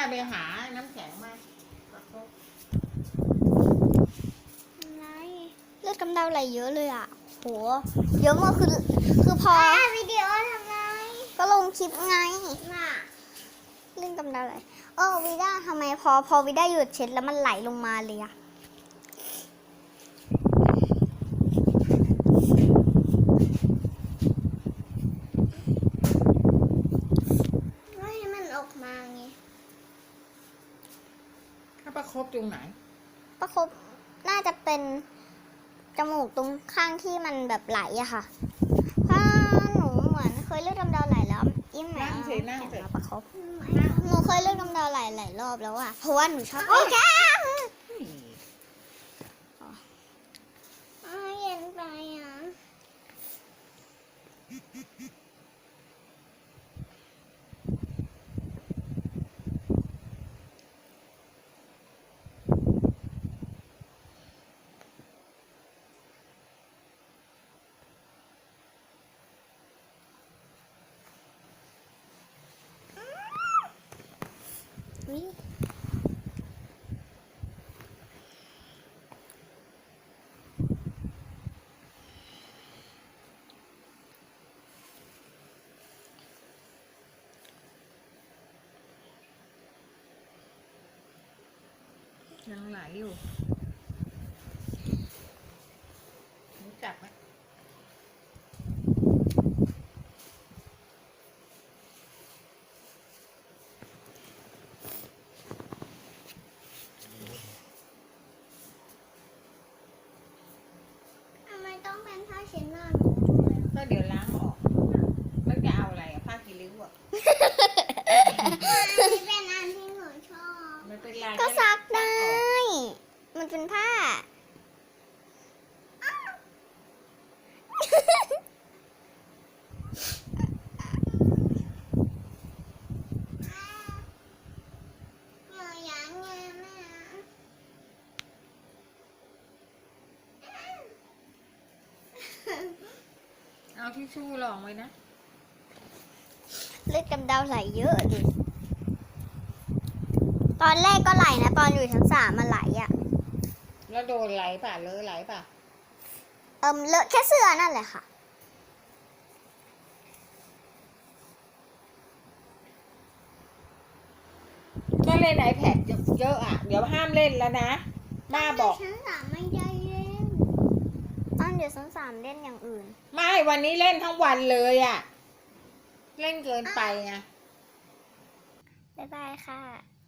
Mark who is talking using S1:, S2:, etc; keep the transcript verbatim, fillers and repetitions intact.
S1: ไปหาน้ำแข็งมา
S2: อะไรเลือดกำเดาไหลเยอะเลยอ่ะโหเยอะมากคือคือพอวิดีโอทำไงก็ลงคลิปไงน่ะเรื่องกำเดาไหลเออวิด้าทำไมพอพอวิด้าหยุดเช็ดแล้วมันไหลลงมาเลยอะไม่ให้มันออกมาไง
S1: ถ้าประคบตรงไหน
S2: ประคบน่าจะเป็นจมูกตรงข้างที่มันแบบไหลอะค่ะเพราะหนูเหมือนเคยเลือดกำเดาไหลแล้วยิ่งแหมแข็งมาประคบหนูเคยเลือดกำเดาไหลหลายรอบแล้วอะเพราะว่าหนูชอบโอ้ยแก้มเย็นไปอะ
S1: ยังไหลอยู่รู้จักไหม
S2: ทำไมต้องเป็นผ้าเช็ดหน้า
S1: ก็เดี๋ยวล้างออกแล้วจะเอาอะไรอะผ้ากีริ้วอะ
S2: เป็นอันที่หนูชอบ
S1: ไม่เป็นไร
S2: ก็ซักได้ มันเป็นผ้า
S1: เอาทิชชู่รองไว้นะ
S2: เลือดกำเดาไหลเยอะดิตอนแรกก็ไหลนะตอนอยู่ชั้นสามมาไหลอ่ะ
S1: แล้วโดนไหลป่ะเลอะไหลป่ะ
S2: เอิมเลอะแค่เสื้อนั่นแหละค่ะ
S1: ก็เล่นไอแพดเยอะอ่ะเดี๋ยวห้ามเล่นแล้วนะป้าบอก
S2: ชั้นสามไม่ได้เล่นตอนอยู่ชั้นสามเล่นอย่างอื่น
S1: ไม่วันนี้เล่นทั้งวันเลยอ่ะเล่นเกินไปไง
S2: บ๊ายบายค่ะ